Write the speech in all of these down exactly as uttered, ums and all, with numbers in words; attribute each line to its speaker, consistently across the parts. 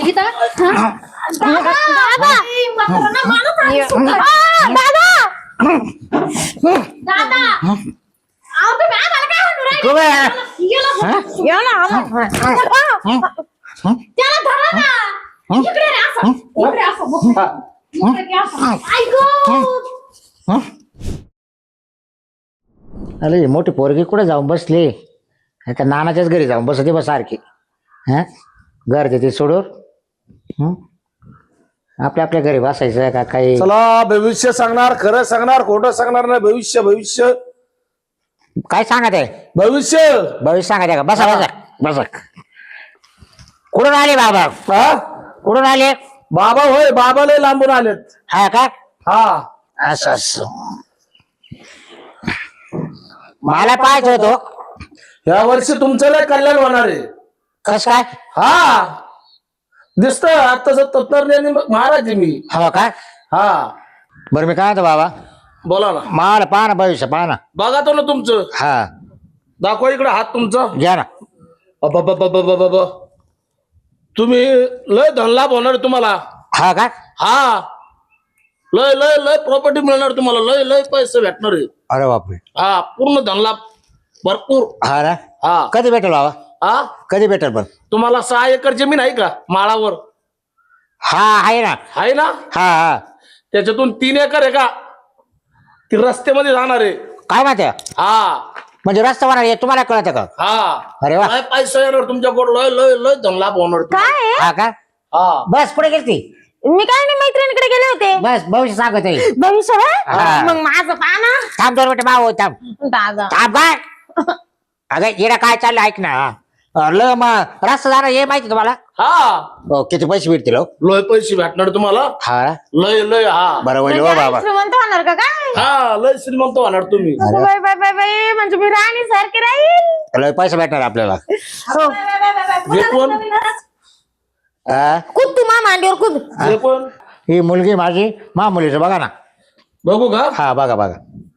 Speaker 1: गीता दादा दादा आओ तुम्ही आम्हाला काय म्हणू राहिले या ना त्याला धरा ना इकडे रे असं इकडे असं इकडे असं ऐक
Speaker 2: अरे मोठी पोरगी कुठे जाऊन बसली आता नानाच्याच घरी जाऊन बसते बस सारखी हा घर देते सोडून हं? आपल्या आपल्या घरी बसायचं का काही
Speaker 3: चला भविष्य सांगणार खरं सांगणार खोटं सांगणार नाही भविष्य भविष्य
Speaker 2: काय सांगत आहे
Speaker 3: भविष्य
Speaker 2: भविष्य सांगत आहे का बसा बसा बसा कुठून आले बाबा
Speaker 3: हा
Speaker 2: कुठून आले
Speaker 3: बाबा होय बाबा लय लांबून आलेत
Speaker 2: हा का
Speaker 3: हा
Speaker 2: असं असं मला पाहायचं होतो
Speaker 3: या वर्षी तुमचं लय कल्याण होणार आहे
Speaker 2: कस काय
Speaker 3: हा दिसत आताच तत्परण्याने महाराज आहे मी
Speaker 2: हो का
Speaker 3: हा
Speaker 2: बरं मी काय म्हणतो बाबा
Speaker 3: बोला ना
Speaker 2: मला पाहा ना भविष्य पाहा ना
Speaker 3: बघा तो ना तुमचं
Speaker 2: हा
Speaker 3: दाखवा इकडे हात तुमचा
Speaker 2: घ्या ना
Speaker 3: अबबबबबबब. तुम्ही लय धनलाभ होणार आहे तुम्हाला
Speaker 2: हा का
Speaker 3: हा लय लय लय प्रॉपर्टी मिळणार तुम्हाला लय लय पैसे भेटणार आहे
Speaker 2: अरे बापरे
Speaker 3: हा पूर्ण धनलाभ भरपूर
Speaker 2: हा ना
Speaker 3: हा
Speaker 2: कधी भेटेल बाबा
Speaker 3: हा
Speaker 2: कधी भेटेल पण
Speaker 3: तुम्हाला सहा एकर जमीन आहे का माळावर
Speaker 2: हा आहे ना
Speaker 3: आहे ना
Speaker 2: हा हा
Speaker 3: त्याच्यातून तीन एकर आहे का ती रस्त्यामध्ये जाणार आहे
Speaker 2: काय माहिती
Speaker 3: हा
Speaker 2: म्हणजे रस्ता होणार हे तुम्हाला कळत का
Speaker 3: हा
Speaker 2: अरे वा
Speaker 3: लय पैसा येणार तुमच्याकडे लय लय लय धनलाभ होणार
Speaker 1: काय आहे?
Speaker 2: हा का
Speaker 3: हा
Speaker 2: बस पुढे गेलती
Speaker 1: मी काय नाही मैत्रिणीकडे गेले होते
Speaker 2: बस भविष्य सांगत आहे
Speaker 1: भविष्य
Speaker 2: हा.
Speaker 1: मग माझं पाना
Speaker 2: थांब दोन मिनिटं भाऊ थांब
Speaker 1: दादा
Speaker 2: थांब काय अगं येडा काय चाललं ऐक ना ल मग रस्ता जाणार हे माहिती तुम्हाला
Speaker 3: हा
Speaker 2: हो, किती पैसे भेटतील हो?
Speaker 3: लय पैसे भेटणार तुम्हाला
Speaker 2: हा
Speaker 3: लय लय हा
Speaker 2: बरोबर हो
Speaker 1: म्हणजे
Speaker 2: बाबा
Speaker 1: आई श्रीमंत होणार का काय
Speaker 3: हा लय श्रीमंत होणार तुम्ही
Speaker 2: अरे.
Speaker 1: बाय बाय बाय बाय म्हणजे मी राणी सारखी राहील
Speaker 2: लय पैसे भेटणार आपल्याला
Speaker 1: हो.
Speaker 3: हे कोण
Speaker 2: हा?
Speaker 1: कूद तू मा मांडीवर कूद
Speaker 3: हे कोण
Speaker 2: ही मुलगी माझी मा मुलीचं बघा ना
Speaker 3: बघू का
Speaker 2: हा बघा बघा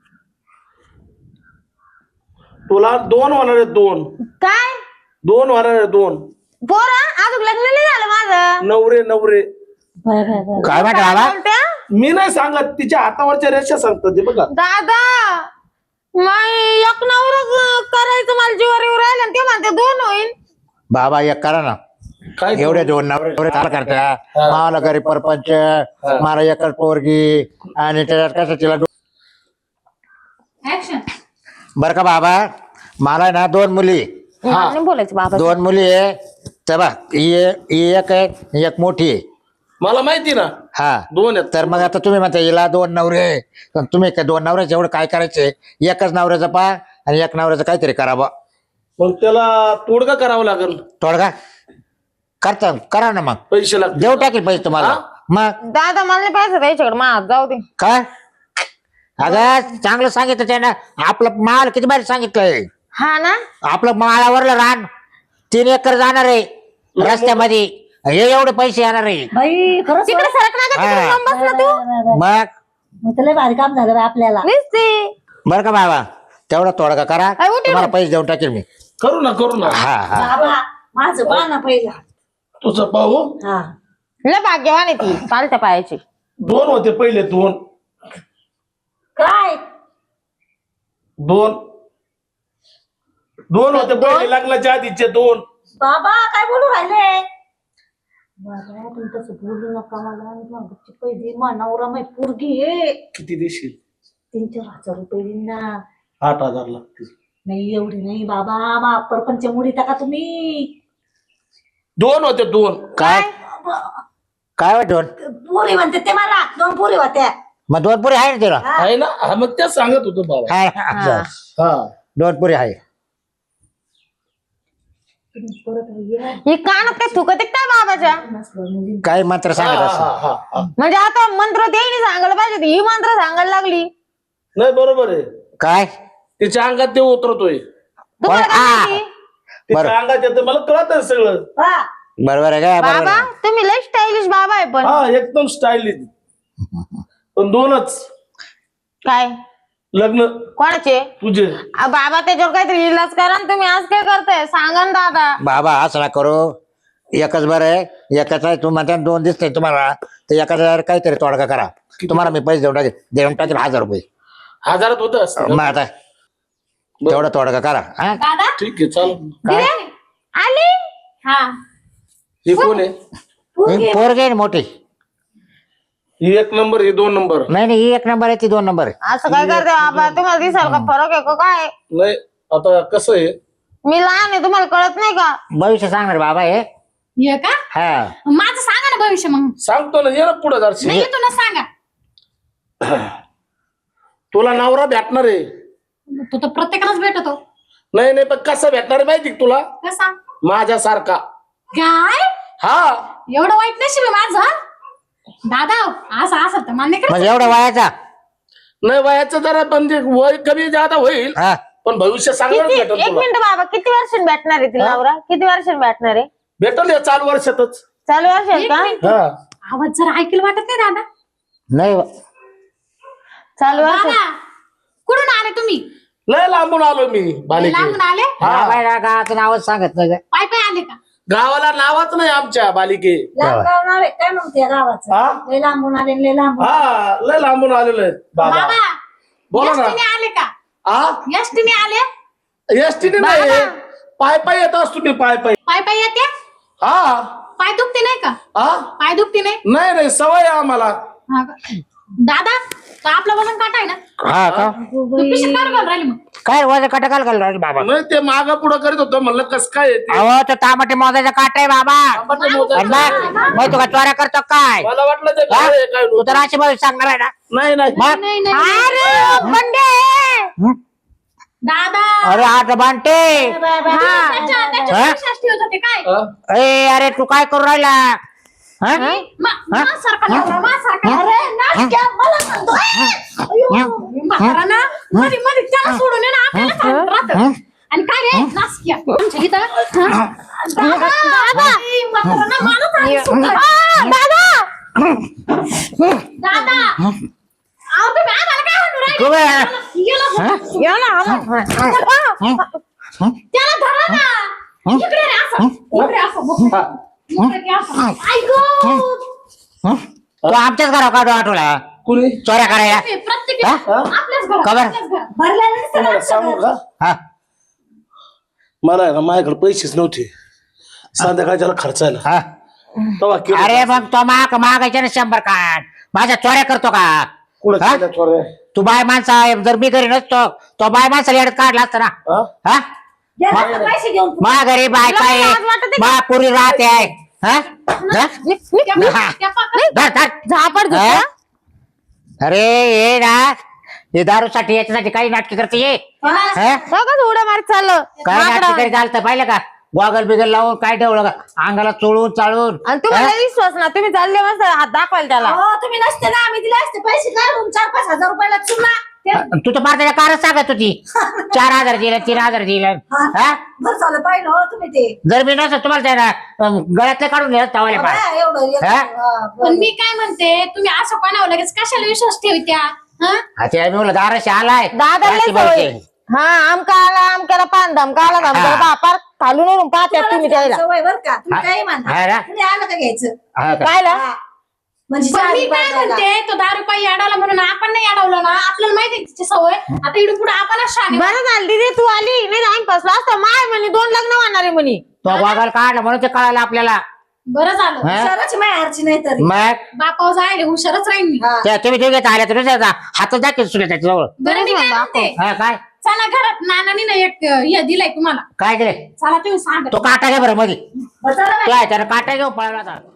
Speaker 3: तुला दोन होणार आहेत दोन
Speaker 1: काय
Speaker 3: दोन होणार आहेत दोन
Speaker 1: पोरा अजून लग्न नाही झालं माझं
Speaker 3: नवरे नवरे
Speaker 2: काय म्हणता बाबा
Speaker 1: बोलत्या?
Speaker 3: मी नाही सांगत तिच्या हातावरच्या रेषा सांगतात ते बघा
Speaker 1: दादा नाही एक नवरा करायचं मला जीवावर येऊ राहिलं आणि ते म्हणते दोन होईल
Speaker 2: बाबा एक करा ना
Speaker 3: काय
Speaker 2: एवढे दोन नवरे एवढे काय करता मला घरी परपंच मला एकच पोरगी आणि त्याच्यात कसं तिला दो- बरं का बाबा मला ना दोन मुली
Speaker 1: नाही बोलायचं बाबा
Speaker 2: दोन मुली आहे तर बा ही ही एक आहे ही एक मोठी आहे
Speaker 3: मला माहिती ना
Speaker 2: हा
Speaker 3: दोन आहेत
Speaker 2: तर मग आता तुम्ही म्हणता हिला दोन नवरे आहे. पण तुम्ही काय दोन नवऱ्याचं एवढं काय करायचंय एकच नवऱ्याचं पा आणि एक नवऱ्याचं काहीतरी करावं
Speaker 3: मग त्याला तोडगा करावा लागेल
Speaker 2: तोडगा करता करा ना मग
Speaker 3: पैसे लागतील
Speaker 2: देऊ टाकेल पैसे तुम्हाला मग
Speaker 1: दादा मला नाही पाहिजे त्याच्याकडे मा जाऊ दे
Speaker 2: काय अगं चांगलं सांगितलं त्यानं आपलं माल किती बाहेर सांगितलंय
Speaker 1: हा ना
Speaker 2: आपलं माळावरलं रान तीन एकर जाणार आहे रस्त्यामध्ये हे एवढे पैसे येणार आहे
Speaker 4: बाई खरंच
Speaker 1: तिकडे सरक ना का तिकडे लांब बस ना तू
Speaker 2: मग
Speaker 4: मग लय भारी काम झालं बाई आपल्याला
Speaker 1: दिसते
Speaker 2: बरं का बाबा तेवढा तोडगा करा
Speaker 1: काय उठे
Speaker 2: तुम्हाला पैसे देऊन टाकेल मी
Speaker 3: करू ना करू ना
Speaker 2: हा हा
Speaker 4: बाबा माझं पहा ना पहिला
Speaker 3: तुझं पाहू
Speaker 4: हा
Speaker 1: लय भाग्यवान आहे ती चालत्या पायाची
Speaker 3: दोन होते पहिले दोन
Speaker 4: काय
Speaker 3: दोन दोन होते पहिले लग्नाच्या आधीचे दोन
Speaker 4: बाबा काय बोलू राहिले बाबा तुम्ही तसं बोलू नका मला गच्ची पैसे नवरा माही पोरगी आहे
Speaker 3: किती देशील
Speaker 4: तीन चार हजार रुपये देईन ना
Speaker 3: आठ हजार लागतील
Speaker 4: नाही एवढी नाही बाबा मा परपंच मुडी टाका तुम्ही
Speaker 3: दोन होते दोन
Speaker 2: काय काय वाटून
Speaker 4: पुरी म्हणते ते मला दोन पुरी होत्या
Speaker 2: मग दोन पुरी आहे ना तिला
Speaker 3: आहे ना हा मग तेच सांगत होतो बाबा
Speaker 2: हा, हा.
Speaker 3: हा
Speaker 2: दोन पुरी आहे
Speaker 4: परत ये.
Speaker 1: ही कानात काय थुकत आहे काय बाबाच्या
Speaker 4: नसलं मुली
Speaker 2: काय मंत्र सांगत
Speaker 3: हा,
Speaker 2: असं
Speaker 3: हा, हा, हा.
Speaker 1: म्हणजे आता मंत्र देईनी सांगायला पाहिजे होती. ही मंत्र सांगायला लागली
Speaker 3: नाही बरोबर आहे
Speaker 2: काय
Speaker 3: तिच्या अंगात ते उतरतोय
Speaker 1: तुम्हाला काय
Speaker 2: आ.
Speaker 1: माहिती?
Speaker 3: तिच्या अंगात येतं मला कळत सगळं
Speaker 4: हा
Speaker 2: बरोबर आहे काय बरोबर
Speaker 1: बाबा
Speaker 2: आहे.
Speaker 1: तुम्ही लय स्टायलिश बाबा आहे पण
Speaker 3: हा एकदम स्टाईलिश पण दोनच
Speaker 1: काय
Speaker 3: लग्न
Speaker 1: कोणाचे
Speaker 3: तुझे
Speaker 1: आ, बाबा त्याच्यावर काहीतरी इलाज करा ना तुम्ही आज काय करताय सांगा ना दादा
Speaker 2: बाबा असं ना करू एकच बरं आहे एकच आहे. तुम्हाला दोन दिसते तुम्हाला तर एकाचा काहीतरी तोडगा करा. तुम्हाला मी पैसे देऊन टाकेल देऊन टाकेल हजार रुपये.
Speaker 3: हजारात होत असतं
Speaker 2: मग आता तेवढा तोडगा करा. हा
Speaker 1: दादा
Speaker 3: ठीक आहे चाल.
Speaker 2: काय
Speaker 1: आली हा
Speaker 3: हे कोण आहे?
Speaker 2: ही पोरगी आहे ना मोठी.
Speaker 3: ही एक नंबर ही दोन नंबर.
Speaker 2: नाही नाही ही एक नंबर आहे ती दोन नंबर आहे.
Speaker 4: असं काय करते बाबा तुम्हाला दिसाल का फरक आहे का काय?
Speaker 3: नाही आता कसं आहे
Speaker 4: मी लहान आहे तुम्हाला कळत नाही का?
Speaker 2: भविष्य सांगणार बाबा हे.
Speaker 1: ये का
Speaker 2: हा
Speaker 1: माझं सांगा ना भविष्य मग
Speaker 3: सांगतो ना ये ना पुढे जरशी.
Speaker 1: नाही येतो ना सांगा.
Speaker 3: तुला नवरा भेटणार आहे.
Speaker 1: तो तर प्रत्येकालाच भेटतो.
Speaker 3: नाही नाही पण कसं भेटणार आहे माहिती का तुला?
Speaker 1: कसा
Speaker 3: माझ्यासारखा.
Speaker 1: काय
Speaker 3: हा
Speaker 1: एवढं वाईट नशीब आहे माझं दादा. असं असं तर मान्य करा.
Speaker 2: म्हणजे एवढा वयाचा.
Speaker 3: नाही वयाचं जरा पण ते वय कमी जादा होईल
Speaker 2: हा
Speaker 3: पण भविष्य चांगलं
Speaker 4: किती
Speaker 3: भेटल
Speaker 4: एक
Speaker 3: तुला.
Speaker 4: मिनिट बाबा किती वर्षांनी भेटणार आहे तिला नवरा? किती वर्षांनी भेटणार आहे?
Speaker 3: भेटल या चालू वर्षातच.
Speaker 4: चालू वर्षात
Speaker 1: एक
Speaker 4: का?
Speaker 1: मिनिट.
Speaker 3: हा
Speaker 1: आवाज जरा ऐकलं वाटत नाही दादा.
Speaker 2: नाही
Speaker 4: चालू वर्षात.
Speaker 1: दादा कुठून आले तुम्ही?
Speaker 3: लय लांबून आलो मी बालिके.
Speaker 1: लांबून आले
Speaker 2: बाबा गावाचं नावच सांगत नाही का?
Speaker 1: पाय पाय आले का?
Speaker 3: गावाला नावाच नाही आमच्या बालिके.
Speaker 4: लांब गावणार आहे काय म्हणते गावाचं?
Speaker 3: हा
Speaker 4: लय लांबून आले लय लांबून.
Speaker 3: हा लय लांबून आलेलो आहे बाबा.
Speaker 1: बाबा
Speaker 3: बोला ना.
Speaker 1: एसटीने आले का?
Speaker 3: हा
Speaker 1: एसटीने आले?
Speaker 3: एसटीने नाही पाय पाय येत असतो मी पाय पाय.
Speaker 1: पाय पाय येते?
Speaker 3: हा
Speaker 1: पाय दुखते नाही का?
Speaker 3: हा
Speaker 1: पाय दुखते नाही?
Speaker 3: नाही नाही सवय आहे आम्हाला.
Speaker 1: हा का? दादा तो आपला वजन काटा आहे ना?
Speaker 2: हा का
Speaker 1: तू पिशवीत काय घालून राहिली मग?
Speaker 2: काय वजन काटा काल घाल बाबा.
Speaker 3: नाही ते माग पुढं करीत होतं म्हणलं कस काय आहे ते.
Speaker 2: अहो तो तांबटे मोजायचा काटा आहे बाबा.
Speaker 3: आंबाटे मोजायचं.
Speaker 2: आणि मग मग तू का चोऱ्या करतो काय?
Speaker 3: मला वाटलं ते
Speaker 2: हा?
Speaker 3: काय आहे, काय
Speaker 2: तू तर अशी भविष्य सांगणार आहे ना.
Speaker 3: नाही नाही
Speaker 2: मग
Speaker 1: नाही नाही
Speaker 4: अरे बंडे
Speaker 2: हं?
Speaker 1: दादा
Speaker 2: अरे आठ बांटे.
Speaker 1: त्याच्या त्याच्या
Speaker 2: हा?
Speaker 1: विश्वास ठेवत होते काय?
Speaker 3: हा?
Speaker 2: ए अरे तू काय करू राहिला? हा?
Speaker 1: मा- माझ्यासारखा नवरा, माझ्यासारखा नवरा.
Speaker 4: नाश्त्या मला सांगतोय.
Speaker 1: म्हातारा ना मध्ये मध्ये त्याला सोडून ये ना आपल्याला सांगत राहतं. आणि काय रे नासक्या आमच्या इथं हा? दादा ए, म्हातारा ना मला सांगत सुटलं. दादा अहो तुम्ही आम्हाला काय म्हणून
Speaker 2: तू
Speaker 1: राहिले?
Speaker 2: काय?
Speaker 1: गेला
Speaker 2: हा?
Speaker 1: बघ.
Speaker 4: ये ना आला.
Speaker 2: हं? हं?
Speaker 1: त्याला धरा ना. इकडे रे असं. इकडे असं बघ.
Speaker 3: हा.
Speaker 1: इकडे ते असं. ऐक
Speaker 2: हं? तू आमच्याच घरावर काढू आठवला
Speaker 3: कुणी
Speaker 2: चोऱ्या करायला.
Speaker 1: प्रत्येक
Speaker 2: हा?
Speaker 1: आपल्याच घरात
Speaker 2: खबर?
Speaker 1: आपल्याच घरात.
Speaker 4: भरलेलं दिसतं ना
Speaker 3: तुम्हाला सांगू का
Speaker 2: हा
Speaker 3: मला आहे ना माझ्याकडे पैसेच नव्हते संध्याकाळच्याला खर्चायला.
Speaker 2: हा
Speaker 3: तेव्हा केलं.
Speaker 2: अरे मग तो माग मागायच्या ना शंभर काढ. माझ्या चोऱ्या करतो का?
Speaker 3: कुठं
Speaker 2: हा?
Speaker 3: केल्या चोऱ्या?
Speaker 2: तू बाय माणसा जर मी घरी नसतो तो बाय माणसाला येडत काढला असता ना.
Speaker 3: हा?
Speaker 2: हा
Speaker 4: गेला पैसे घेऊन.
Speaker 2: मा घरी बायका आहे
Speaker 4: लाज वाटते का?
Speaker 2: मा पुरी राहते आहे. हा? हा?
Speaker 1: त्या-
Speaker 2: हा.
Speaker 1: त्या पाकळ्या-
Speaker 2: धर, धर.
Speaker 4: झापड
Speaker 2: हा?
Speaker 4: घेतला.
Speaker 2: अरे ये ना हे दारूसाठी याच्यासाठी काही नाटकी करते ये. हा?
Speaker 4: सगळं उड्या मारत चाललं.
Speaker 2: काय नाटकी
Speaker 4: माकडं.
Speaker 2: तरी चालतं पाहिलं का? गॉगल बिगल लावून काय ठेवलं का अंगाला चोळून चाळून.
Speaker 4: आणि तुम्हाला विश्वास ना तुम्ही चालले मस्त हात दाखवाल त्याला.
Speaker 5: तुम्ही नसते ना आम्ही दिले असते पैसे काढून चार पाच हजार रुपयाला चुना
Speaker 2: हा? तू तर मार त्याच्या कारच सांगत होती चार हजार दिलं तीन हजार दिलं. हा
Speaker 5: बरं झालं पाहिलं हो तुम्ही ते
Speaker 2: जर मी नसतं तुम्हाला त्याला अं, गळ्यातले काढून नेलं तवाले पाय.
Speaker 5: हा, एवढं एवढं.
Speaker 2: हा?
Speaker 5: हा, बरं.
Speaker 1: पण मी काय म्हणते तुम्ही असं कोणावर लगेच कशाला विश्वास ठेवत्या? हा?
Speaker 2: आता मी म्हणलं दाराशी आलाय
Speaker 4: दादा लय
Speaker 2: रात्री
Speaker 4: सवय.
Speaker 2: बोलते.
Speaker 4: हा आमका आला आमक्याला पान धमका आला धमका
Speaker 2: हा.
Speaker 4: बापार खालून वरून पाहत्या तुम्ही त्याला.
Speaker 5: सवय बरं का तुम्ही
Speaker 2: हा.
Speaker 5: काही
Speaker 2: हा
Speaker 5: म्हणता
Speaker 2: ना?
Speaker 5: तुम्ही आलं का घ्यायचं
Speaker 2: हा का?
Speaker 4: पाहिलं
Speaker 5: हा. म्हणजे
Speaker 1: पण मी
Speaker 5: चार
Speaker 1: काय
Speaker 5: पाच
Speaker 1: म्हणते तो दारू पायी अडवला म्हणून आपण नाही अडवलं ना. आपल्याला माहिती आहे तिची सवय. आता इकडून पुढे आपणच शाणे.
Speaker 4: बरं झालं दीदी तू आली नाही तर आम्ही फसलो असतो. माय म्हणे दोन लग्न होणार आहे म्हणे.
Speaker 2: तो गॉगल काढला म्हणून ते कळालं आपल्याला.
Speaker 1: बरं झालं
Speaker 2: हा?
Speaker 5: शहराची माहेरची नाही तरी
Speaker 2: मग
Speaker 1: बापावर जायला हुशारच राहील मी.
Speaker 5: हा.
Speaker 2: त्या तुम्ही दोघे आल्या तुम्ही हातात दाखल सुद्धा त्याच्याजवळ.
Speaker 1: बरं मी काय म्हणते
Speaker 2: हा काय
Speaker 1: चला घरात नानानी ना एक हे दिलाय तुम्हाला.
Speaker 2: काय दिले
Speaker 1: चला तुम्ही सांगा.
Speaker 2: तो काटा घे बरं मध्ये.
Speaker 5: बरं, चला बाई.
Speaker 2: काय त्याला काटा घेऊ पळाला आता.